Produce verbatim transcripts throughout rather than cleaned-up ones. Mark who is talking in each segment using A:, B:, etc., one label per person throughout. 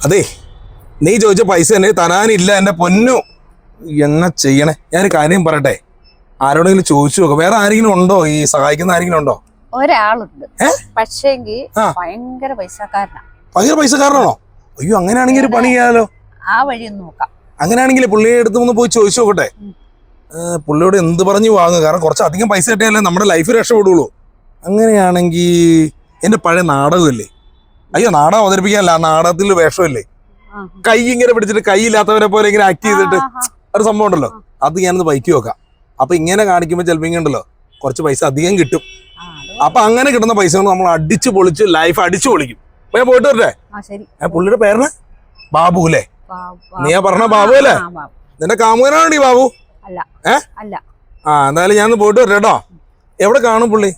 A: അതെ നീ ചോദിച്ച പൈസ തന്നെ തരാനില്ല എന്റെ പൊന്നു. എന്നാ ചെയ്യണേ? ഞാനൊരു കാര്യം പറയട്ടെ, ആരോടെങ്കിലും ചോദിച്ചു നോക്കാം. വേറെ ആരെങ്കിലും ഉണ്ടോ ഈ സഹായിക്കുന്ന ആരെങ്കിലും ഉണ്ടോ?
B: ഒരാളുണ്ട്, പക്ഷേങ്കി ഭയങ്കര പൈസക്കാരനാ.
A: ഭയങ്കര പൈസക്കാരനാണോ? അയ്യോ, അങ്ങനെയാണെങ്കിൽ ഒരു പണി ചെയ്യാലോ.
B: ആ വഴി ഒന്ന് നോക്കാം.
A: അങ്ങനെയാണെങ്കിൽ പുള്ളിയെ അടുത്ത് ഒന്ന് പോയി ചോദിച്ചു നോക്കട്ടെ. പുള്ളിയോട് എന്ത് പറഞ്ഞു വാങ്ങുക, കാരണം കുറച്ച് അധികം പൈസ കിട്ടിയാലേ നമ്മുടെ ലൈഫ് രക്ഷപ്പെടുള്ളൂ. അങ്ങനെയാണെങ്കിൽ എന്റെ പഴയ നാടകമില്ലേ, അയ്യോ നാടകം അവതരിപ്പിക്കാനല്ല, നാടകത്തിൽ വേഷമില്ലേ, കൈ ഇങ്ങനെ പിടിച്ചിട്ട് കൈ ഇല്ലാത്തവരെ പോലെ ഇങ്ങനെ ആക്ട് ചെയ്തിട്ട് ഒരു സംഭവം ഉണ്ടല്ലോ, അത് ഞാനൊന്ന് ബൈക്ക് വെക്കാം. അപ്പൊ ഇങ്ങനെ കാണിക്കുമ്പോൾ ചിലപ്പോൾ ഇങ്ങനെ ഉണ്ടല്ലോ കുറച്ച് പൈസ അധികം കിട്ടും. അപ്പൊ അങ്ങനെ കിട്ടുന്ന പൈസ കൊണ്ട് നമ്മൾ അടിച്ചു പൊളിച്ച് ലൈഫ് അടിച്ചു പൊളിക്കും. അപ്പൊ ഞാൻ പോയിട്ട് വരട്ടെ. പുള്ളിയുടെ പേരിന് ബാബു അല്ലേ? നീ പറഞ്ഞ ബാബു അല്ലേ? നിന്റെ കാമുകനാണോ ഈ ബാബു? ഏ ആ എന്തായാലും ഞാൻ പോയിട്ട് വരട്ടെ കേട്ടോ. എവിടെ കാണും പുള്ളി?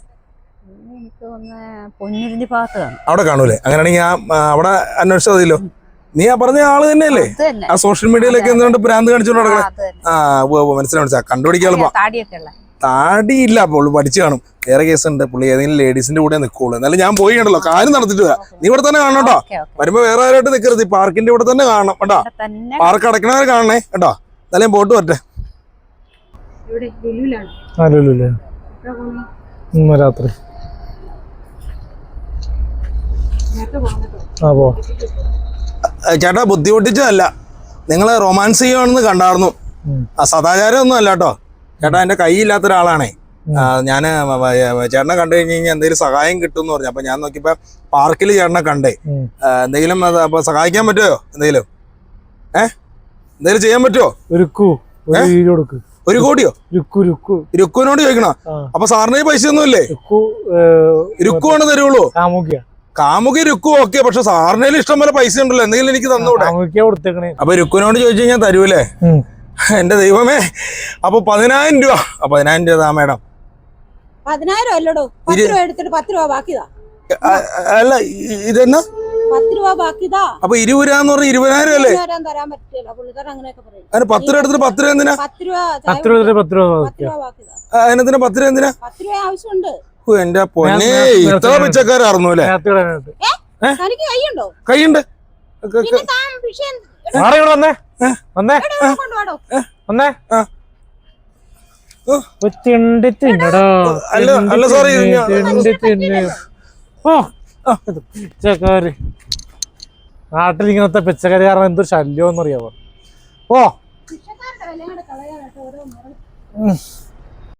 A: അവിടെ കാണൂലേ? അങ്ങനെയാണെങ്കിൽ ഞാൻ അവിടെ അന്വേഷിച്ചാൽ മതിയല്ലോ. നീ ആ പറഞ്ഞ ആള് തന്നെയല്ലേ ആ സോഷ്യൽ മീഡിയയിലൊക്കെ എന്തുകൊണ്ട് ഭ്രാന്ത് കാണിച്ചോണ്ട് നടക്കണേ? ആ മനസ്സിലായി മനസ്സിലായി, കണ്ടുപിടിക്കാളുമ്പോ. താടിയില്ല, പുള്ളി പഠിച്ചു കാണും. വേറെ കേസുണ്ട്, പുള്ളി ഏതെങ്കിലും ലേഡീസിന്റെ കൂടെ നിൽക്കുള്ളൂ. എന്നാലും ഞാൻ പോയി കണ്ടല്ലോ, കാര്യം നടത്തിട്ട് വരാം. നീ ഇവിടെ തന്നെ കാണണം കേട്ടോ. വരുമ്പോ വേറെ ആരായിട്ട് നിൽക്കരുത്, ഈ പാർക്കിന്റെ ഇവിടെ തന്നെ കാണണം കേട്ടോ. പാർക്ക് അടക്കണവരെ കാണണേ കേട്ടോ. എന്നാലും ഞാൻ പോയിട്ട് വരട്ടെ.
C: രാത്രി
A: ചേട്ടാ ബുദ്ധിമുട്ടിച്ചതല്ല, നിങ്ങള് റൊമാൻസ് ചെയ്യുവാണെന്ന് കണ്ടായിരുന്നു. ആ സദാചാരം ഒന്നും അല്ല കേട്ടോ. ചേട്ടാ എന്റെ കൈയില്ലാത്ത ഒരാളാണേ. ഞാന് ചേട്ടനെ കണ്ടു കഴിഞ്ഞ് കഴിഞ്ഞാൽ എന്തെങ്കിലും സഹായം കിട്ടും എന്ന് പറഞ്ഞു. അപ്പൊ ഞാൻ നോക്കിയപ്പോ പാർക്കിൽ ചേട്ടനെ കണ്ടേ. എന്തെങ്കിലും അപ്പൊ സഹായിക്കാൻ പറ്റുമോ? എന്തെങ്കിലും ഏഹ് എന്തെങ്കിലും ചെയ്യാൻ പറ്റുമോ? ഒരു കോടിയോ? രുക്കുവിനോട് ചോദിക്കണോ? അപ്പൊ സാറിന് പൈസ ഒന്നും ഇല്ലേ? രുക്കുവാണ് തരുള്ളൂ. കാമുകി രുക്കു ഓക്കെ, പക്ഷെ സാറിനേലും ഇഷ്ടം പോലെ പൈസ ഉണ്ടല്ലോ, എന്തെങ്കിലും എനിക്ക് തന്നൂടെ? അപ്പൊ രുക്കുവിനോട് ചോദിച്ചു കഴിഞ്ഞാൽ തരൂലേ? എന്റെ ദൈവമേ, അപ്പൊ പതിനായിരം രൂപ. പതിനായിരം രൂപ താ മേഡം.
D: പതിനായിരം അല്ലടോ, പത്ത് രൂപ എടുത്തിട്ട് പത്ത് രൂപ ബാക്കിതാ.
A: അല്ല ഇതെന്നാ
D: പത്ത് രൂപ ബാക്കിതാ.
A: അപ്പൊ ഇരുപത് രൂപ എന്ന് പറഞ്ഞ ഇരുപതിനായിരം അല്ലേ?
D: തരാൻ പറ്റില്ല, പുള്ളിക്കാരൻ അങ്ങനെയൊക്കെ പറയും.
A: അതിന് പത്ത് രൂപ എടുത്തിട്ട് പത്ത് രൂപ എന്തിനാ?
D: പത്ത് രൂപ
C: പത്ത് രൂപ പത്ത് രൂപ
D: ബാക്കിതാ.
A: അതിനെന്തിനാ പത്ത് രൂപ എന്തിനാ?
D: പത്ത് രൂപ ആവശ്യമുണ്ട്.
A: എന്റെ പൊന്നെ, ഇത്ര പിച്ചക്കാരായിരുന്നു അല്ലേ?
D: കൈയുണ്ടോ?
A: കൈയുണ്ട്. അല്ല സോറി,
C: പിച്ചക്കാര് നാട്ടിൽ ഇങ്ങനത്തെ പിച്ചക്കാര് കാരണം എന്തൊരു ശല്യം എന്നറിയാവോ? ഓ